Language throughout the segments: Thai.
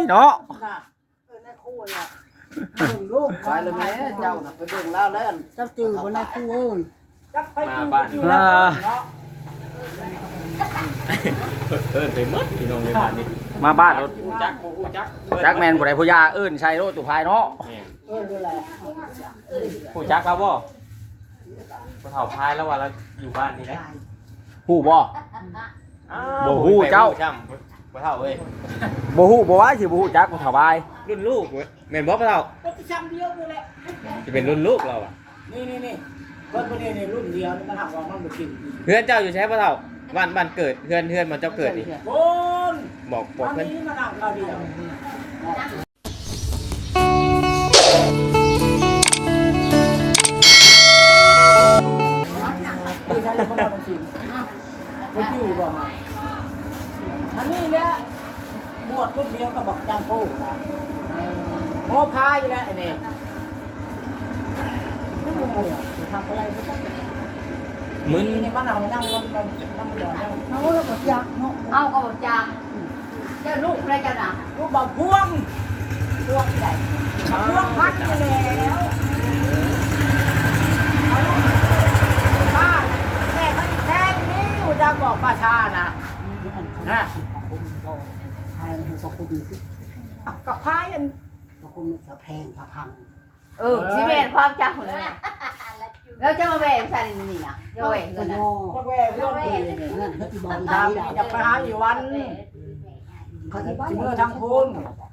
เนาะในคู่เนี่ยลูกไปเลยแม่เจ้าน่ะไปเบิ่งแล้วแล้วเจ้าจื้อบนในคู่เอ้ยจักไปจื้ออยู่แล้วเนาะไปหมดพี่น้องในบ้านนี้มาบ้านรถจักจักจักแมนผู้ใดผู้ยาเอิ้นใช้รถตุภายเนาะดูแลผู้จักแล้วบ่ผู้เฒ่าพายแล้วว่าเราอยู่บ้านนี่นะฮู้บ่ บ่ฮู้เจ้าจ้ำผู้เฒ่าเอ้ยบ่ฮู้บ่ว่าสิบ่ฮู้จักผู้ถวายรุ่นลูกเว้ยแม่นบ่ผู้เฒ่าก็ไปซ้ำเดียวดูแลจะเป็นรุ่นลูกเราอ่ะนี่เพิ่นบ่ได้ในรุ่นเดียวมันหักว่ามันบ่กินเพื่อนเจ้าอยู่ใช้ผู้เฒ่าบ้านเกิดเพื่อนมันเจ้าเกิดนี่โอนบอกอันเพิ่นนี้มันหักเราเดียวที่ใช้แล้วเขาบ่กินบ่อยู่บ่อันนี้แหละบวชรุ่นเดียวก็บอกจางโพนะโมพายอยู่แล้วไอ้นี่ไม่รู้ทำอะไรไม่ต้องมึนนี่มันเอานั่งมันนั่งหยอดนั่งเขาแล้วก็ยักเนาะเอาก็บอกจ้าเจ้าลูกอะไรกันอ่ะลูกบอกพวงพวงใหญ่พวงพัดไปแล้วป้าแม่เขาแทงนี่อยู่จะบอกป้าชานะนะกับพายอันคุณจะแพงจะพังสิเวนความจ้าเลยแล้วจะมาแหวนใส่นี่นะจะแหวนกันนะก็แหวกเรื่องดีเนี่ยทำจะไปหาอยู่วันเมื่อทางคุณ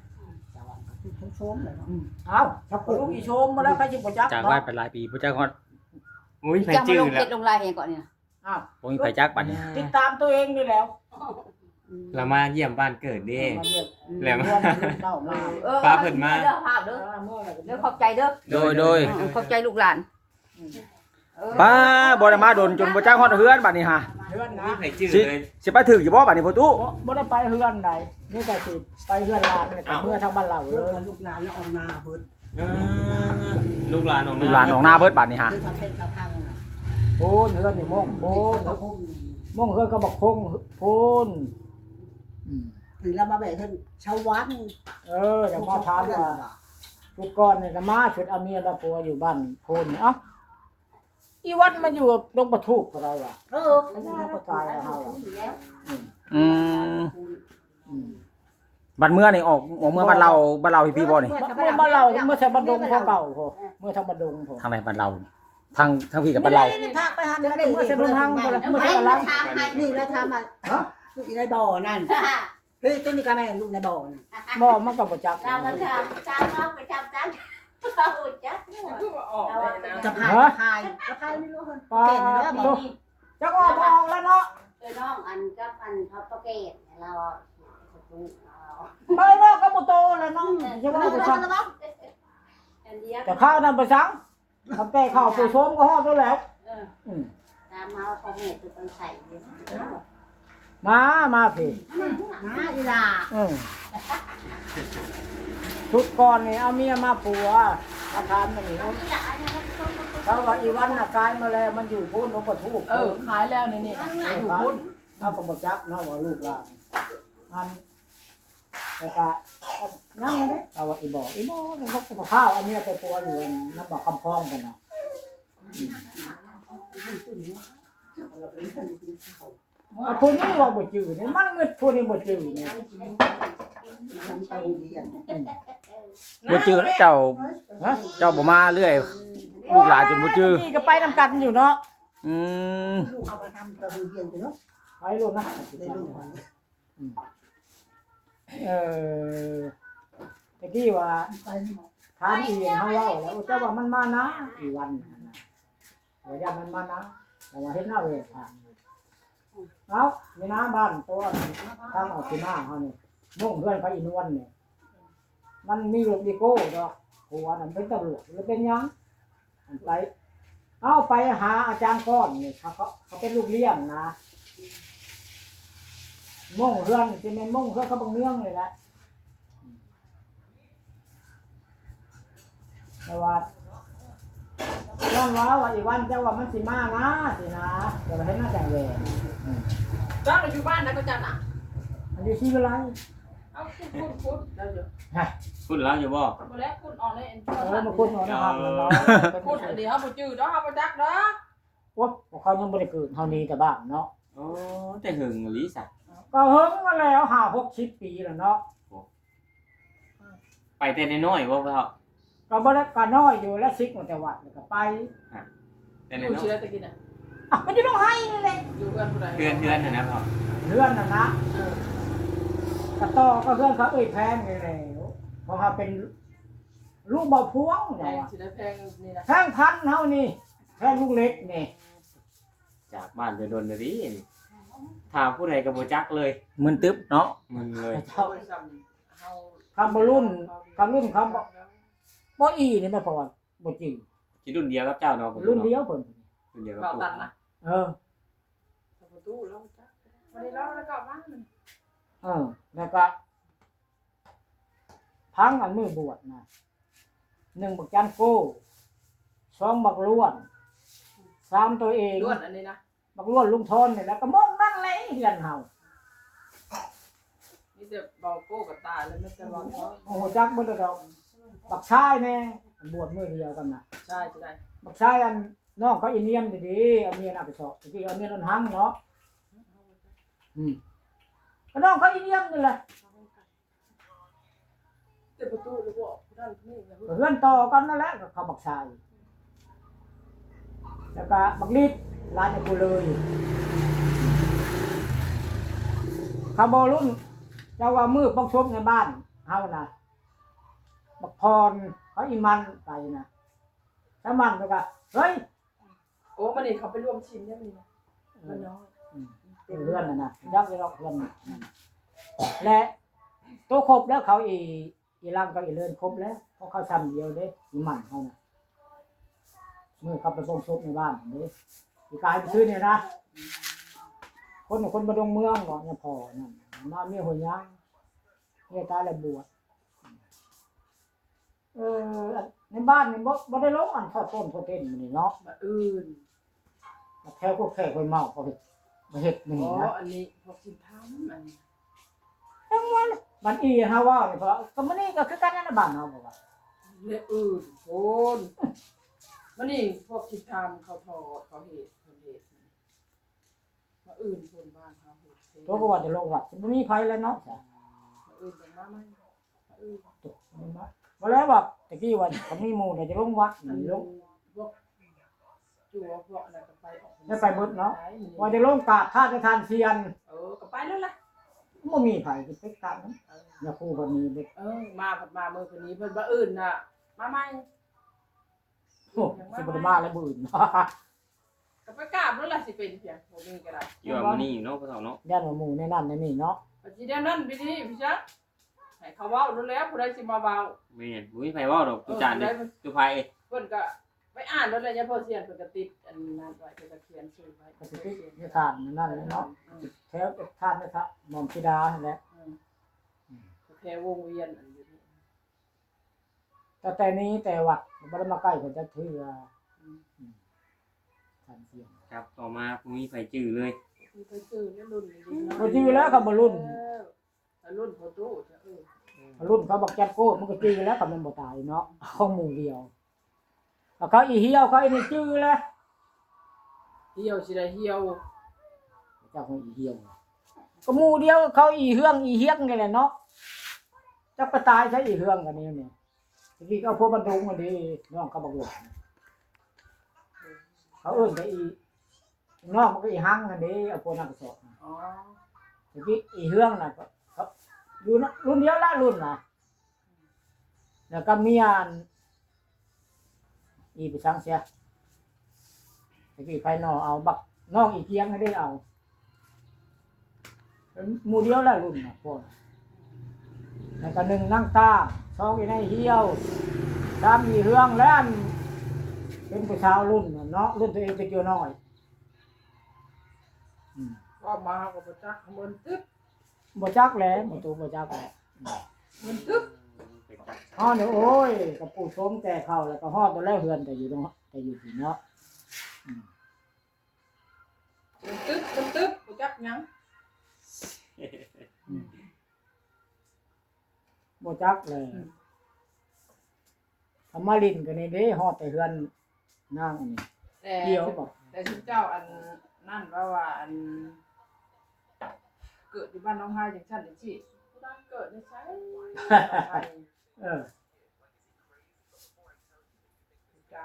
เอาลูกอีชมมาแล้วใครจะประจักษ์จากไว้เป็นหลายปีบ่จักฮอดมุ้ยไผจะมาจื้อลงแล้เก็วดลงลายเองก่อนเนี่ยอ้าวบ่มีไผจักบัดนี้ติดตามตัวเองนี่แล้วเรามาเยี่ยมบ้านเกิดดิ แล้วภาพเด้อภาพเด้อเด้อขอบใจเด้อโดยขอบใจลูกหลานป้าบ่ได้มาดนจนบ่จักฮอดเฮือนบัดนี้ฮะเฮือนนะมุ้ยไผจื้อสิเลยสิไปถึกอยู่บ่บัดนี้พ่อตู้บ่ได้ไปเฮือนใดนี่ก็สิไปเฮือนลานนี่เมื่อทางบ้านเราเลยลูกหลานแล้วออกนาเบิดลูกหลานของลูกหลานของหน้าเบิดบัดนี้ฮะโพนเฮือนนี่ม่งโพนม่งเฮือนก็บอกคงโพนถึงเรามาแบ่งเพิ่นชาววัดอย่างมาถามว่าชุดก่อนเนี่ยก็มาชุดอาเมียละปัวอยู่บ้านโพนเอ้าอีวัดมาอยู่ตรงปะทุกกับเราอ่ะมันจะประกาศให้เราอืมบัดเมื่อนี่ออกเมื่อบ้านเราพี่บ่นี่เมื่อบ้านเราเมื่อใช้บันดงเขาเก่าพอเมื่อทำบันดงพอทางไหนบ้านเราทางพี่กับบ้านเราทางไปหาเดี๋ยวเมื่อใช้บันทางเมื่อใช้บันลังนี่แล้วทำอ่ะลูกในบ่อนั่นเฮ้ยต้นนี้ก็แม่ลูกในบ่อนั่นบ่มันก็บ่จักจ้าก็จ้าจ้าน้องไปจ้าจ้าจ้าจ้าจะพายพายจะพายไม่รู้คนปลาเก่งแล้วบ่จักออกแล้วเนาะน้องอันกับอันเขาประเกตเราไปเนาะก็บ่โตแล้วเนาะจะว่าบ่ซังแต่ข้าวนั้นบ่ซังทำแต่ข้าวปูส้มก็ฮอดแล้วตามมาเขาเห็ดตัวต้องใส่มาพี่นะอีลาชุดก่อนนี่เอาเมียมาปัวมาทานมันนี่เขาว่าอีวันน่ะกายมาแล้วมันอยู่พุ่นเขาก็ทุกขายแล้วนี่อยู่พุ่นเอาก็บ่จักเนาะว่าลูกหลานมันแต่ก็นั่งเลยเอาว่าอีบ่นี่เขาก็ข้าวเอาเมียไปปัวอยู่น้ำบ่คำพองกันเนาะพวกนี้ว่าบ่จืดนี่มันเงินพวกนี้บ่จืดนี่ฉันไปเรียนบ่จื้อแล้วเจ้าบ่มาเรื่อยลูกหลานจนบ่จื้อนี่ก็ไปนำกันอยู่เนาะอืมลูกเอาไปทำกระเบียนไปเนาะไปลูกนะได้ลูกก่อนตะกี้ว่าถามอีเฮาเว้าแล้วเจ้าว่ามันมานะอีวันว่าอย่ามันมานะแต่ว่าเฮ็ดหน้าเวทผ่านเอามีน้ำบ้านตัวทางออกที่หน้าเฮานี่มุ่งเพื่อนไปอีนวลนี่มันมีลูกดิโก้ดอกหัวนั่นเป็นตำรวจหรือเป็นยังไปเอาไปหาอาจารย์ก้อนนี่เขาเป็นลูกเลี้ยงนะมุ่งเพื่อนจะเป็นมุ่งเพื่อนเขาบังเนื่องเลยแหละแต่ว่าย้อนว่าอีวันเจ้าว่ามันสิมานะสินะเดี๋ยวให้หน้าแต่งเวรจ้าเราอยู่บ้านนะก็จันอ่ะอันนี้ชีวิตไรเเอาคุดแล้วอยู่พูดแล้วอยู่บ่บ่แล้วคุดออกในเอ็นมาคุณหน่อยนะครับเนาะคุดอันนี้เฮาบ่จื้อเนาะเฮาบ่จักเนาะว่าเขายังบ่ได้เกิดเฮานี้แต่บ้านเนาะโอ้แต่หึงอีหลีสักก็เฮิงมาแล้ว5-60 ปีแล้วเนาะไปแต่น้อยๆบ่พ่อเฒ่าก็บ่ได้ก็น้อยอยู่แล้วซิกมาแต่วัดแล้วก็ไปแต่อน้ยู่อยชื่อตะกี้น่ะอ่ะมันอยู่ต้องให้นี่แหละอยู่เพื่อนผู้ใดๆเพื่อนน่ะนะพ่อเพื่อนน่ะนะกระต่อก็เพื่อนเขาแพงนี่แหละเพราะเขาเป็นลูกบ่พวงแพเนาะงสิได้แพงนี่นะแพงพันเฮานี่แพงลูกเล็กนี่จากบ้านไปโดนเด้อดิถ้าผู้ใดก็บ่จักเลยมึนตึ๊บเนาะมึงเลยเจ้าเฮาคำบ่รุ่นคำบ่อีนี่แม่พอบ่จริงสิรุ่นเดียวกับเจ้าเนาะรุ่นเดียวเพิ่นรุ่นเดียวกับเบาปู่ตันนะเออประตูแล้วจักวันนี้เราแล้วก็บ้านมันแล้วก็พังอันมือบวชนะ1บักจันโก้2บักล้วน3ตัวเองล้วนอันนี้นะบักล้วนลุงทนนี่แล้วก็มองนั่นเลยเฮือนเฮามีแต่เบาโก้กับตาเลยไม่แต่ว่าเขาโอ้โหจักบ่ได้ดอกบักชายแน่บวชมื้อเดียวกันน่ะใช่จะได้บักชายอันน้องเขาอินเนียมดีๆเอาเมียน่ะไปสอบตะกี้เอาเมียนนหังเนาะก็น้องเขาอินเนียมนี่แหละแต่ประตูแล้วก็ด้านนี้นะเพื่อนต่อกันนั่นแหละกับเขาบักชายแล้วก็บักลิดร้านไอ้กูเลยเขาบ่รุ่นเจ้าว่ามือปักชบในบ้านเฮาน่ะบักพรเขาอีมันไปนะถ้ามันแล้วก็เฮ้ยโอ้มันนี่เขาไปร่วมชิมเนี่ยมันนะมันน้อยเพื่อนนะยักษ์ยักษ์เพื่อนและตัวครบแล้วเขาอีร่างก็อีเลื่อนครบแล้วเพราะเขาทำเดียวเด้อีมันเขานะเมื่อเขาไปปงชบในบ้านเด้อีกายไปซื้อเนี่ยนะคนมาดงเมืองบอกเนี่ยพอนั่นมาเมียหัวย่างเนี่ยตายแล้วบวชในบ้านนี่บ่ได้ลงอันทอดต้นทอดเต้นมันนี่เนาะมาอื่นแถวพวกแขกคนเมาเขาเฮ็ดนี่อ๋อนะอันนี้พวกชิมทำอันนี้ทั้งวันมันอีฮาว่านี่เพราะก็มันนี่ก็คือกันนั่นนะบ้านเฮาบอกว่าเละอื่นโอนมันนี่พวกชิมทำเขาทอดเขาเห็ดมาอื่นคนบ้านเขาเห็ดตัวก็ว่าจะลงวัดมันมีไผแล้วเนาะจ้ะมาอื่นแต่มาไม่มาอื่นบ่แล้วว่าตะกี้ว่าเขามีหมู่เนี่ยจะลงวัดอันนี่นี้ลงพวกจั่วพวกอะไรก็ไปออกได้ไปเบิดเนาะว่าจะลงกราบท่าจะทานเทียนก็ไปแล้วล่ะบ่มีไผสิไปกราบนั้นอย่าคู่บ่มีเด็กมาผัดมาเมื่อคืนนี้เพิ่นว่าอื่นน่ะมาใหม่โอ้สิบ่ได้มาแล้วบ่อื่นก็ไปกราบแล้วล่ะสิเป็นเพียงบ่มีก็ได้อยู่ว่ามื้อนี้อยู่เนาะพ่อเฒ่าเนาะย่านว่าหมู่ในนั้นในนี่เนาะปัจจุบันนั้นพี่นี่พี่จ๊ะให้เขาเว้ารู้แล้วผู้ใดสิมาเว้าแม่นบ่มีไผเว้าดอกตุจานเด้ตุไผเพิ่นก็ไปอ่านแล้วเลยเนี่ยพอเสียนเพิ่นก็ติดอันนั้นไว้เพิ่นก็เขียนชื่อไว้ก็สิตินิทานนั่นแหละเนาะแถวทานนะครับหม่อมธิดานั่นแหละแค่วงเวียนอันอยู่นี่แต่นี้แต่วัดบ่ได้มาใกล้เพิ่นจะถือทานเทียนครับต่อมาบ่มีไผจื้อเลยมีไปชื่อแล้วรุ่นนี้เนาะบ่จื้อแล้วเขาบ่รุ่นรุ่นโฟโต้จะรุ่นเขาบอกจัดโก้มันก็จื้อแล้วเขามันบ่ตายเนาะเขาหมู่เดียวเขาอีเหี่ยวเขาอีนี่จื้อแล้วเหี่ยวสิได้เหี่ยวเจ้าของอีเหี่ยวก็หมู่เดียวเขาอีเฮืองอีเฮียกนี่แหละเนาะจักไปตายใช้อีเฮืองกันนี่เนี่ยทีนี้เขาพวกบรรทุกมันดีน้องเขาบอกว่าเขาเอิ้นไปอีน้องมันก็อีหังกันดีเอาพวกนักสอบอ๋อทีนี้อีเฮืองน่ะก็ครับอยู่นะรุ่นเดียวละรุ่นน่ะแล้วก็เมียอีไปสั่งเสียทีนี้ไปนอเอาบักน้องอีเกียงให้ได้เอาหมู่เดียวละรุ่นน่ะพวกแล้วก็1นั่งตา2อีในเหี่ยว3อีเฮืองแล้วเป็นผู้ชาวรุ่นน่ะเนาะรุ่นตัวเองเป็นอยู่น้อยก็มาก็บ่จักเหมือนตึ๊บบ่จักแหล้วบ่ตูบ่จักแหละเหมือนตึ๊บฮ้อนี่โอ้ยกับปู่ชมแต่เข้าแล้วก็ฮอดตัวแล้วเฮือนแต่อยู่ตรงแต่อยู่ที่เนาะเหมือนตึ๊บบ่จักหยังบ่จักเลยทำมาลินกันนี่เด้ฮอดแต่เฮือนนางอันนี้แต่เกี่ยวบ่แต่ชุดเจ้าอันนั่นว่าอันเกิดอยู่บ้านน้องไห้จังซั่นจังซี่บ้านเกิดได้ใช้เออจ้า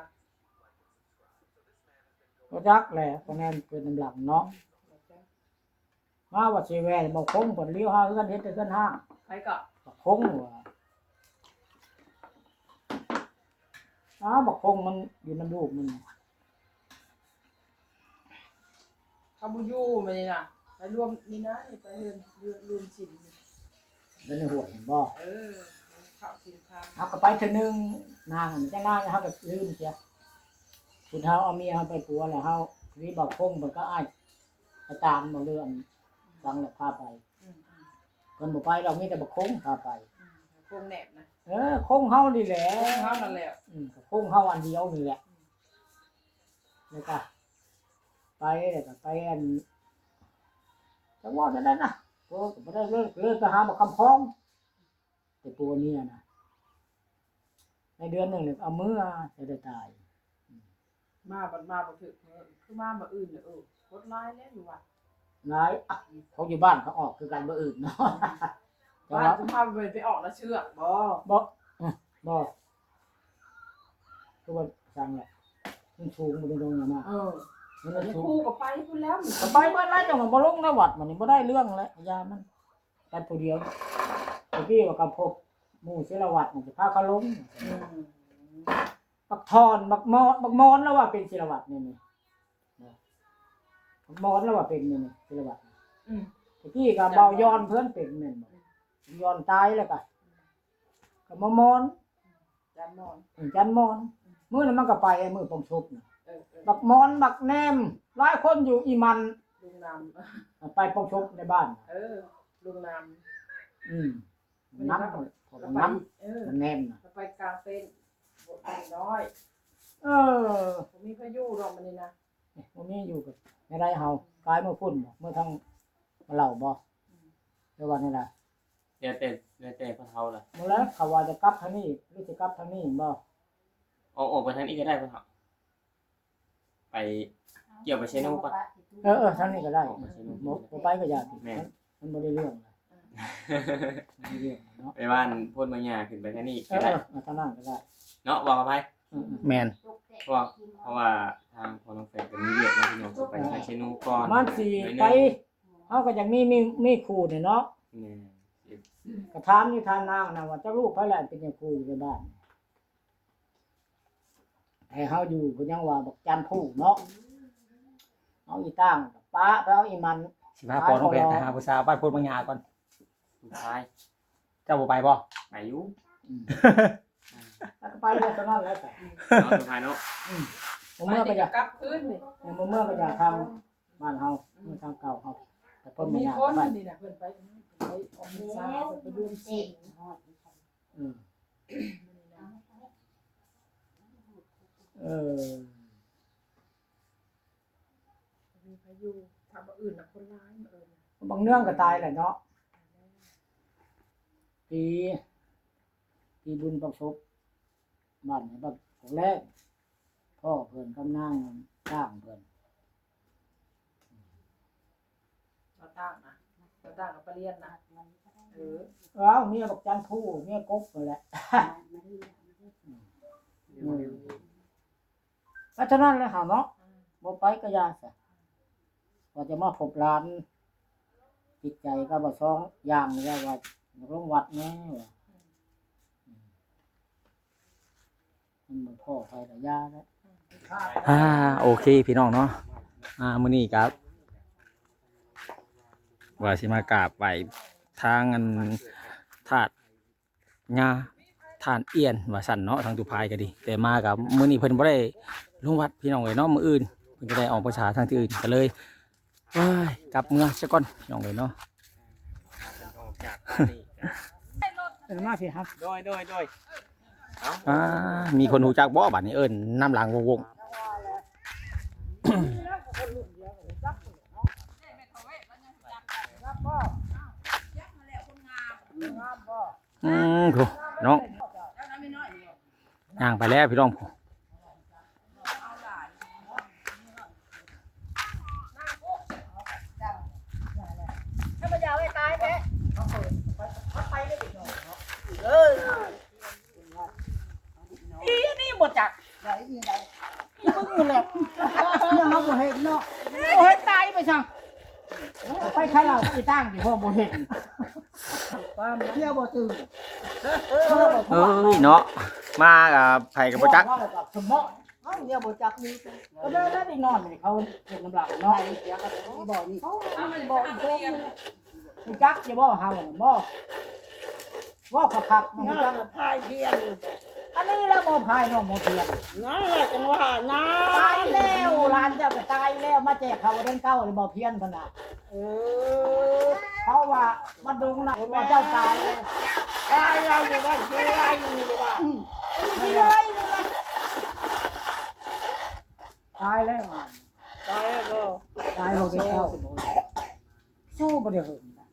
บ่จักแหละคะแนนเกินน้ำหลังเนาะมาว่าสิแว่บ่คงเพิ่นเลี้ยวหาเฮือนเฮ็ดแต่เฮือนห้างใครก็บ่คงว่าบ่คงมันอยู่น้ำลูกมันเขาบ่อยู่มานี่น่ะไปรวมนี่นะนี่ไปรวมสินเป็นหัวเห็นบ่ข้าวสินค้าเฮาก็ไปเทื่อนึงนางจังนางเฮาก็ลืมเสียสุดเฮาเอาเมียเฮาไปปัวแล้วเฮานี่บ่คงเพิ่นก็อ้ายอาจารย์บ่เรื่องฟังแล้วพาไปเพิ่นบ่ไปเรามีแต่บ่คงพาไปพวงแหนบนะคงเฮานี่แหละข้าวนั่นแหละคงเฮาอันเดียวนี่แหละแล้วก็ไปแล้วก็ไปอันจังหวัดนั้นนะโอ้ก็บ่ได้เลิกไปหาบ่คำพ้องแต่ปัวเนี่ยนะในเดือนหนึงเนี่ยเอามือจะได้ตายมาบ่ถึกคือมาบ่อื่นโคตรร้ายแล้วอยู่ว่ะหลายเขาอยู่บ้านเขาออกคือกันบ่อื่นเนาะแต่บ้านว่าสุภาพไปออกแล้วเชื่อบ่บ่คือว่าสั่งแหละมันสูงบ่ได้ลงมามันอย่าสูงคู่กับไปพุ่นแล้วก็ไปเบิดแล้วจังว่าบ่ลงในวัดมันนี่บ่ได้เรื่องแล้วยามันกันผู้เดียวเมื่อกี้ว่ากับพบหมู่ศิลวัตรมันสิพาเขาลงบักทอนบักมอนแล้วว่าเป็นศิลวัตรนี่บักมอนแล้วว่าเป็นนี่ศิลวัตรเมื่อกี้ก็เบาย้อนเพิ่นเป็นแม่นบ่ย้อนตายแล้วก็มอนจานนอนจันมอนมื้อนั้นมันก็ไปมื้อปงชุบน่ะบักมอนบักแนมหลายคนอยู่อีมันลุงนำไปปงชุบในบ้านลุงนำน้ำน้ำมันแนมน่ะไปกลางเป็นบทน้อย ผมมีพายุรอมันนี่นะมันมีอยู่กับในไรเฮากายเมื่อพุ่นเมื่อทั้งมาเล่าบ่เดี๋ยววันนี้ล่ะเดี๋ยวแต่พ่อเฒ่าล่ะเมื่อแล้วเขาว่าจะกลับทางนี้หรือจะกลับทางนี้บ่ออกไปทางนี้ก็ได้พ่อเฒ่าไปเกี่ยวไปเชนูก่อนทางนี้ก็ได้บ่ไปก็ยากมันบ่ได้เรื่องบ่ได้เรื่องเนาะไปบ้านพ่นบางหญ้าขึ้นไปทางนี้ก็ได้ทางนั้นก็ได้เนาะบอกกับไผแม่นเพราะว่าทางพ่อน้องแฟนก็มีเวียกนะพี่น้องไปทางเชนูก่อนมันสิไปเฮาก็อยากมีครูนี่เนาะนี่ก็ถามอยู่ทางนางนะว่าเจ้าลูกไผแหละเป็นจังครูอยู่ในบ้านให้เฮาอยู่เพิ่นยังว่าบักจันผู้เนาะเอาอีตั้งป้าไปเอาอีมันสิพาพ่อน้องแพนไปหาผู้สาวบ้านโพนบางยาก่อนสุดท้ายเจ้าบ่ไปบ่ไปอยู่แล้วก็ไปแล้วตอนนั้นแล้วแต่เนาะสุดท้ายเนาะเมื่อก็อยากกลับคืนนี่เมื่อก็อยากทำบ้านเฮาเมื่อทางเก่าเฮาแต่เพิ่นบ่มีอยากคนไปนี่นะเพิ่นไปออกพรรษาไปรวมสิน มีพายุทำอื่นนะคนร้ายมาบางเนื่องก็ตายแหละเนาะปีบุญประสบบ้านไหนบ้านของแรกพ่อเพิ่นกำนางสร้างเพิ่นเราตั้งนะเราตั้งกับปเรียนนะเมียบักจันผู้เมียกบนั่นแหละเพราะฉะนั้นแล้วหาเนาะบ่ไปก็ยาซะว่าจะมาพบหลานจิตใจก็บ่ซ้องอย่างนี่ว่าโรงวัดแน่ว่ามันบ่พอไปละยาแล้วโอเคพี่น้องเนาะมื้อนี้ครับว่าสิมากราบไหว้ทางอันธาตุงาทานเอียนว่าสั่นเนาะทางตุภายก็ดีแต่มากับมื้อนี้เพิ่นบ่ได้ลงวัดพี่น้องเอ้ยเนาะมื้ออื่นเพิ่นก็ได้ออกประชาทางที่อื่นก็เลยกลับเมืองซะก่อนพี่น้องเอ้ยเนาะออกจากบ้านนี่เป็นมาสิครับโดยมีคนรู้จักบ่บัดนี้เอิ้นน้ำหลังวงโถน้องย่างไปแล้วพี่น้องผมถ้ามันยาวให้ตายแท้อีนี่หมดจักไหนอีไหนอีมึงอยู่แล้วเนี่ยเขาบ่เห็นเนาะบ่เห็นตายไปช่างไปใครเราไปตั้งที่พ่อบ่เห็นความเที่ยวบ่ตื่นเอ้ยเนาะมากับไผกับบ่จักสมองเอ้าเดี๋ยวบ่จักนี่ก็ได้ได้นอนนี่เขาเก็บน้ำลายเนาะเสียก็บ่นี่บ่อีกตัวนึงจักจะบ่เฮาบ่ว่าคักๆมันจักพายเพียนอันนี้แล้วบ่พายน้องบ่เพียนนั่นแหละจังว่านะตายแล้วหลานเจ้าก็ตายแล้วมาแจกเขาเรื่องเก่าเลยบ่เพียนขนาดเพราะว่ามันดุงน่ะว่าเจ้าตายแล้วตายแล้วอยู่บ้านชื่ออะไรอยู่บ้านชื่ออะไรอยู่บ้านตายแล้วตายแล้วก็ตายบ่ได้เข้าสู้บ่ได้หึงนะ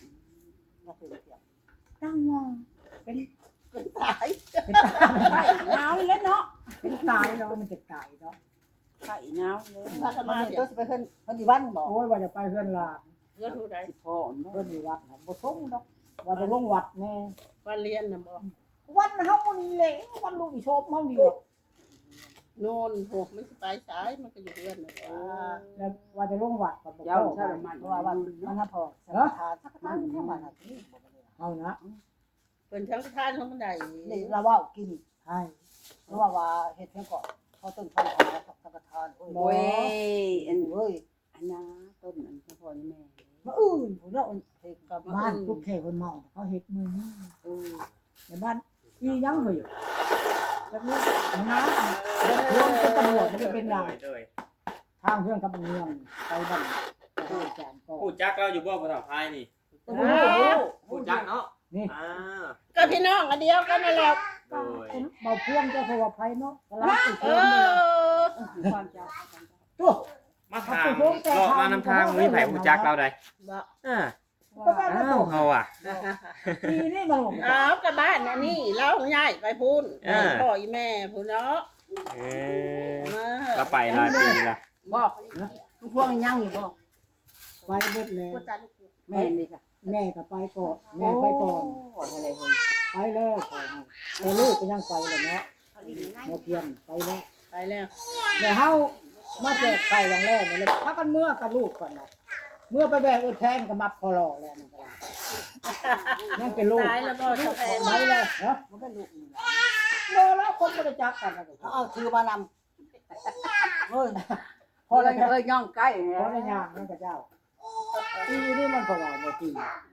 ตั้งว่าเป็นตายเป็นตายหนาวเลยเนาะเป็นตายเนาะมันจะตายเนาะไข่หนาวเลยถ้าจะมาก็จะไปเพิ่นที่บ้านบอกโอ้ยว่าจะไปเพิ่นลาเพิ่นผู้ใดพ่อเพิ่นที่วัดน่ะบ่ส่งดอกว่าจะลงวัดแน่วันเรียนน่ะบ่วันเฮานี่แหละวันลูกอีโชบเฮานี่โน่นพวกมันสิไปสายมันก็อยู่เรือนน่ะแล้วว่าจะลงวัดก็บ่เข้าเพราะว่าวันมันพอสังฆทานสักมันแค่ว่าน่ะนี่เอานะเป็นทั้งทานทั้งบันไดนี่เราว่ากินใช่เพราะว่าเฮ็ดเพียงก่อนเขาต้นทานสังฆทานโอ้ยอันเว้ยอันนะต้นอันพ่อนี่แม่มาอื่นผมว่าเฮ็ดกับบ้านทุกแค่คนเมาเขาเฮ็ดมือในบ้านอีหยังเฮ้ยแล้วนี่น้ำรวมเป็นตำรวจมันเป็นอย่างทางเรื่องกับเมืองไปบ้านผู้แจงก็ผู้จักเราอยู่บ่ผู้เฒ่าพายนี่ผู้จักเนาะนี่ก็พี่น้องอันเดียวกันนั่นแหละโดยเบาเพื่อนเจ้าสวัสดิ์ไพเนาะกำลังติดเอเพื่อนอตัวมาถามเลาะมานำทางมีไผผู้จักเราได้อ้าวเฮาอ่ะปีนี่มันอ้าวกับบ้านอันนี้เราย้ายไปพูนพ่ออีแม่พูนเนาะเออเราไปหลายปีละบอกพวกยังอยู่บอกไปเบิดแล้วแม่นี่ค่ะแม่ก็ไปก่อนแม่ไปก่อนไปแล้วแต่ลูกก็ยังไปเลยเนาะโมเพียนไปแล้วไปแล้วแต่เฮามาแจกไข่อย่างแรกเลยพักกันเมื่อกับลูกก่อนนะเมื่อไปแบกแทนกับมัดพอรอแล้วนั่นก็นั่นเป็นลูกตายแล้วก็จะแพงไปเลยเหรอมันเป็นลูกโลแล้วคนบริจาคกันนะเอาคือมานำเฮ้ยพอแล้วเอ้ยย่องใกล้พอแล้วย่างนั่นกับเจ้าปีนี้มันก็ว่าบ่ตี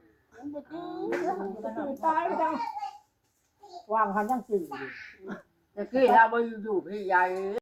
ตายไปจังวางคันยังจืดอยู่แต่กี้เราไปอยู่พี่ใหญ่